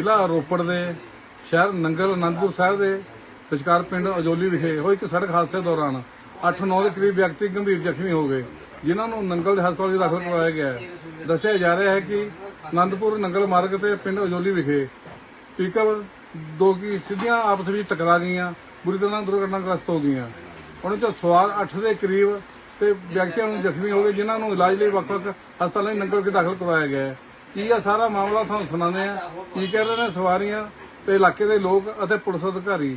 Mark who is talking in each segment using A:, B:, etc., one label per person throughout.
A: ਜ਼ਿਲ੍ਹਾ ਰੋਪੜ ਦੇ ਸ਼ਹਿਰ ਨੰਗਲ ਅਨੰਦਪੁਰ ਸਾਹਿਬ ਦੇ ਵਿਚਕਾਰ ਪਿੰਡ ਅਜੋਲੀ ਵਿਖੇ ਹੋਏ ਇੱਕ ਸੜਕ ਹਾਦਸੇ ਦੌਰਾਨ 8-9 ਦੇ ਕਰੀਬ ਵਿਅਕਤੀ ਗੰਭੀਰ ਜ਼ਖਮੀ ਹੋ ਗਏ, ਜਿਨ੍ਹਾਂ ਨੂੰ ਨੰਗਲ ਦੇ ਹਸਪਤਾਲ 'ਚ ਦਾਖਲ ਕਰਵਾਇਆ ਗਿਆ ਹੈ। ਦੱਸਿਆ ਜਾ ਰਿਹਾ ਹੈ ਕਿ ਅਨੰਦਪੁਰ ਨੰਗਲ ਮਾਰਗ ਤੇ ਪਿੰਡ ਅਜੋਲੀ ਵਿਖੇ ਪਿਕਅਪ ਦੋ ਕੀ ਸਿੱਧੀਆਂ ਆਪਸ ਵਿੱਚ ਟਕਰਾ ਗਈਆਂ, ਬੁਰੀ ਤਰ੍ਹਾਂ ਦੁਰਘਟਨਾਗ੍ਰਸਤ ਹੋ ਗਈਆਂ। ਉਹਨਾਂ 'ਚੋਂ ਸਵਾਰ 8 ਦੇ ਕਰੀਬ ਤੇ ਵਿਅਕਤੀਆਂ ਨੂੰ ਜ਼ਖਮੀ ਹੋ ਗਏ, ਜਿਨ੍ਹਾਂ ਨੂੰ ਇਲਾਜ ਲਈ ਵੱਖ-ਵੱਖ ਹਸਪਤਾਲਾਂ 'ਚ ਨੰਗਲ ਕੇ ਦਾਖਲ ਕਰਵਾਇਆ ਗਿਆ ਹੈ। ਕੀ ਇਹ ਸਾਰਾ ਮਾਮਲਾ ਤੁਹਾਨੂੰ ਸੁਣਾਉਂਦੇ ਆ, ਕੀ ਕਹਿ ਰਹੇ ਨੇ ਸਵਾਰੀਆਂ ਤੇ ਇਲਾਕੇ ਦੇ ਲੋਕ ਅਤੇ ਪੁਲਿਸ ਅਧਿਕਾਰੀ।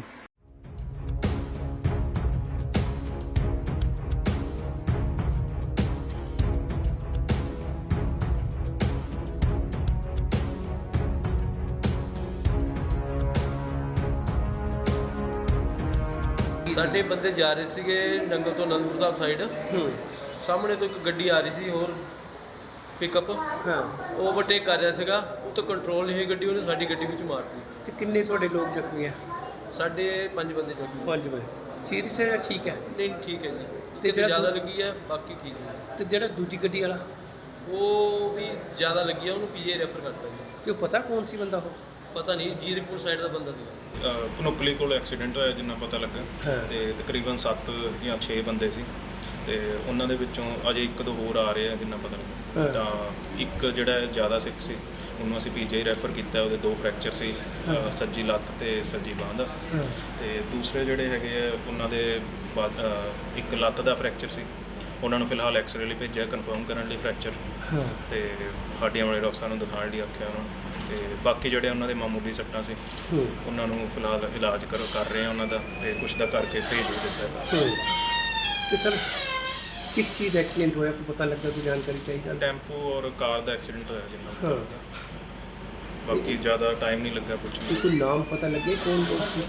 B: ਸਾਡੇ ਬੰਦੇ ਜਾ ਰਹੇ ਸੀਗੇ ਨੰਗਲ ਤੋਂ ਅਨੰਦਪੁਰ ਸਾਹਿਬ ਸਾਈਡ। ਸਾਹਮਣੇ ਤੋਂ ਇੱਕ ਗੱਡੀ ਆ ਰਹੀ ਸੀ ਹੋਰ ਪਿਕਅਪ, ਉਹ ਓਵਰਟੇਕ ਕਰ ਰਿਹਾ ਸੀਗਾ, ਉਹ ਤੋਂ ਕੰਟਰੋਲ ਨਹੀਂ ਹੋਈ ਗੱਡੀ, ਉਹਨੇ ਸਾਡੀ ਗੱਡੀ ਵਿੱਚ ਮਾਰਤੀ।
C: ਤੇ ਕਿੰਨੇ ਤੁਹਾਡੇ ਲੋਕ ਜ਼ਖਮੀ ਆ?
B: ਸਾਡੇ 5 ਬੰਦੇ ਜ਼ਖਮੀ।
C: 5 ਬੰਦੇ ਸੀਰੀਅਸ ਹੈ ਜਾਂ ਠੀਕ ਹੈ?
B: ਨਹੀਂ ਠੀਕ ਹੈ ਜੀ,
C: ਤੇ
B: ਤੇ ਜ਼ਿਆਦਾ ਲੱਗੀ ਹੈ, ਬਾਕੀ ਠੀਕ ਹੈ।
C: ਤੇ ਜਿਹੜਾ ਦੂਜੀ ਗੱਡੀ ਵਾਲਾ
B: ਉਹ ਵੀ ਜ਼ਿਆਦਾ ਲੱਗੀ ਹੈ, ਉਹਨੂੰ ਪੀਏ ਰੈਫਰ ਕਰਤਾ ਜੀ।
C: ਤੇ ਉਹ ਪਤਾ ਕੌਣ ਸੀ ਬੰਦਾ? ਉਹ
B: ਪਤਾ ਨਹੀਂ, ਜੀਰਕਪੁਰ ਸਾਈਡ ਦਾ ਬੰਦਾ ਸੀ।
D: ਭਨੋਕਲੀ ਕੋਲ ਐਕਸੀਡੈਂਟ ਹੋਇਆ ਜਿੰਨਾ ਪਤਾ ਲੱਗਾ, ਤੇ ਤਕਰੀਬਨ 7 ਜਾਂ 6 ਬੰਦੇ ਸੀ, ਤੇ ਉਹਨਾਂ ਦੇ ਵਿੱਚੋਂ ਅਜੇ 1-2 ਹੋਰ ਆ ਰਹੇ ਆ ਜਿੰਨਾ ਪਤਾ ਲੱਗਾ। ਤਾਂ ਇੱਕ ਜਿਹੜਾ ਜ਼ਿਆਦਾ ਸਿੱਖ ਸੀ, ਉਹਨੂੰ ਅਸੀਂ ਪੀਜੀਆਈ ਰੈਫਰ ਕੀਤਾ, ਉਹਦੇ 2 ਫ੍ਰੈਕਚਰ ਸੀ, ਸੱਜੀ ਲੱਤ ਤੇ ਸੱਜੀ ਬਾਂਹ ਦਾ। ਤੇ ਦੂਸਰੇ ਜਿਹੜੇ ਹੈਗੇ ਆ ਉਹਨਾਂ ਦੇ ਇੱਕ ਲੱਤ ਦਾ ਫ੍ਰੈਕਚਰ ਸੀ, ਉਹਨਾਂ ਨੂੰ ਫਿਲਹਾਲ ਐਕਸਰੇ ਲਈ ਭੇਜਿਆ ਕਨਫਰਮ ਕਰਨ ਲਈ ਫ੍ਰੈਕਚਰ, ਤੇ ਹੱਡੀਆਂ ਵਾਲੇ ਡਾਕਟਰਾਂ ਨੂੰ ਦਿਖਾਉਣ ਲਈ ਆਖਿਆ ਉਹਨਾਂ ਨੂੰ। ਤੇ ਬਾਕੀ ਜਿਹੜੇ ਉਹਨਾਂ ਦੇ ਮਾਮੂਲੀ ਸੱਟਾਂ ਸੀ, ਉਹਨਾਂ ਨੂੰ ਫਿਲਹਾਲ ਇਲਾਜ ਕਰ ਰਹੇ ਆ ਉਹਨਾਂ ਦਾ, ਤੇ ਕੁਛ ਦਾ ਕਰਕੇ ਭੇਜ ਵੀ ਦਿੱਤਾ।
C: ਤੇ ਸਰ ਕਿਸ ਚੀਜ਼ ਦਾ ਐਕਸੀਡੈਂਟ ਹੋਇਆ, ਕੋਈ ਪਤਾ ਲੱਗਾ? ਕੋਈ ਜਾਣਕਾਰੀ ਚਾਹੀਦੀ?
D: ਟੈਂਪੂ ਔਰ ਕਾਰ ਦਾ ਐਕਸੀਡੈਂਟ ਹੋਇਆ ਜਿੰਨਾ ਪਤਾ ਲੱਗਾ, ਬਾਕੀ ਜ਼ਿਆਦਾ ਟਾਈਮ ਨਹੀਂ ਲੱਗਾ ਕੁਛ।
C: ਕੋਈ ਨਾਮ ਪਤਾ ਲੱਗੇ ਕੌਣ ਲੋਕ ਸੀ?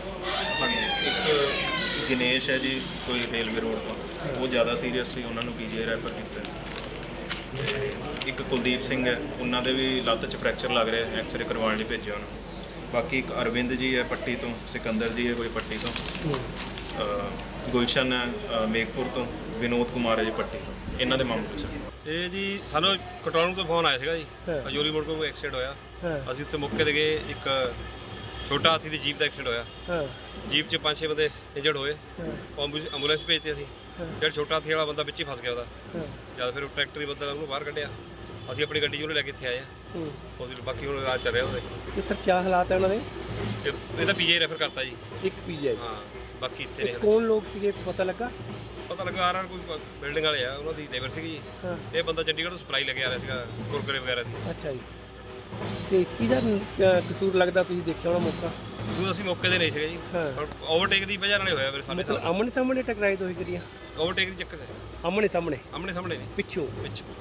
D: ਇੱਕ ਦਿਨੇਸ਼ ਹੈ ਜੀ, ਕੋਈ ਰੇਲਵੇ ਰੋਡ ਤੋਂ, ਉਹ ਜ਼ਿਆਦਾ ਸੀਰੀਅਸ ਸੀ, ਉਹਨਾਂ ਨੂੰ ਪੀਜੀਆਈ ਰੈਫਰ ਕੀਤਾ। ਤੇ ਇੱਕ ਕੁਲਦੀਪ ਸਿੰਘ ਹੈ, ਉਹਨਾਂ ਦੇ ਵੀ ਲੱਤ 'ਚ ਫ੍ਰੈਕਚਰ ਲੱਗ ਰਿਹਾ, ਐਕਸਰੇ ਕਰਵਾਉਣ ਲਈ ਭੇਜਿਆ ਉਹਨੂੰ। ਬਾਕੀ ਇੱਕ ਅਰਵਿੰਦ ਜੀ ਹੈ ਪੱਟੀ ਤੋਂ, ਸਿਕੰਦਰ ਜੀ ਹੈ ਕੋਈ ਪੱਟੀ ਤੋਂ, ਗੁਲਸ਼ਨ ਹੈ ਮੇਘਪੁਰ ਤੋਂ, ਵਿਨੋਦ ਕੁਮਾਰ ਹੈ ਜੀ ਪੱਟੀ ਤੋਂ। ਇਹਨਾਂ ਦੇ ਮਾਮਲੇ ਸਰ
E: ਇਹ ਜੀ ਸਾਨੂੰ ਕੰਟਰੋਲ ਰੂਮ ਤੋਂ ਫੋਨ ਆਇਆ ਸੀਗਾ ਜੀ, ਅਜੋਲੀ ਮੋੜ ਕੋਲ ਐਕਸੀਡੈਂਟ ਹੋਇਆ। ਅਸੀਂ ਉੱਥੇ ਮੌਕੇ ਤੇ ਗਏ, ਇੱਕ ਛੋਟਾ ਹਾਥੀ ਦੀ ਜੀਪ ਦਾ ਐਕਸੀਡੈਂਟ ਹੋਇਆ। ਜੀਪ 'ਚ 5-6 ਬੰਦੇ ਇੰਜਰਡ ਹੋਏ, ਐਂਬੂਲੈਂਸ ਭੇਜਤੇ ਅਸੀਂ। ਜਿਹੜਾ ਛੋਟਾ ਹਾਥੀ ਵਾਲਾ ਬੰਦਾ ਵਿੱਚ ਹੀ ਫਸ ਗਿਆ ਉਹਦਾ, ਜਦ ਫਿਰ ਟਰੈਕਟਰ ਦੀ ਬੰਦਾ ਉਹਨੂੰ ਬਾਹਰ ਕੱਢਿਆ, ਅਸੀਂ ਆਪਣੀ ਗੱਡੀ 'ਚ ਉਹਨੂੰ ਲੈ ਕੇ ਇੱਥੇ ਆਏ ਹਾਂ। ਉਹਦੇ ਬਾਕੀ ਹੁਣ ਇਲਾਜ ਚੱਲ ਰਿਹਾ ਉਹਦੇ।
C: ਤੇ ਸਰ ਕੀ ਹਾਲਾਤ ਹੈ ਉਹਨਾਂ ਦੇ?
E: ਇਹਦਾ ਪੀਜੀਆਈ ਰੈਫਰ ਕਰਤਾ ਜੀ।
C: ਇੱਕ ਪੀਜੀਆਈ?
E: ਹਾਂ, ਬਾਕੀ ਇੱਥੇ ਨੇ।
C: ਕੌਣ ਲੋਕ ਸੀਗੇ, ਪਤਾ ਲੱਗਾ?
E: ਪਤਾ ਲੱਗਾ ਆਰ ਕੋਈ ਬਿਲਡਿੰਗ ਵਾਲੇ ਆ, ਉਹਨਾਂ ਦੀ ਲੇਬਰ ਸੀਗੀ ਜੀ। ਇਹ ਬੰਦਾ ਚੰਡੀਗੜ੍ਹ ਤੋਂ ਸਪਲਾਈ ਲੈ ਕੇ ਆ ਰਿਹਾ ਸੀਗਾ ਕੁਰਕਰੇ ਵਗੈਰਾ ਦੀ।
C: ਅੱਛਾ ਜੀ। ਤੇ ਕਿਹਦਾ ਕਸੂਰ ਲੱਗਦਾ, ਤੁਸੀਂ ਦੇਖਿਆ ਹੋਣਾ ਮੌਕਾ?
E: ਕਸੂਰ ਅਸੀਂ ਮੌਕੇ ਤੇ ਨਹੀਂ ਸੀਗੇ ਜੀ, ਓਵਰਟੇਕ ਦੀ ਵਜ੍ਹਾ ਨਾਲ ਹੋਇਆ ਮੇਰੇ ਸਾਹਮਣੇ।
C: ਮਤਲਬ ਆਮਣੇ ਸਾਹਮਣੇ ਟਕਰਾਈ ਦੋਈ ਗੱਡੀਆਂ?
E: ਓਵਰਟੇਕ ਦੀ ਚੱਕਰ ਹੈ,
C: ਆਮਣੇ ਸਾਹਮਣੇ?
E: ਆਮਣੇ ਸਾਹਮਣੇ ਨਹੀਂ,
C: ਪਿੱਛੋਂ?
E: ਪਿੱਛੋਂ।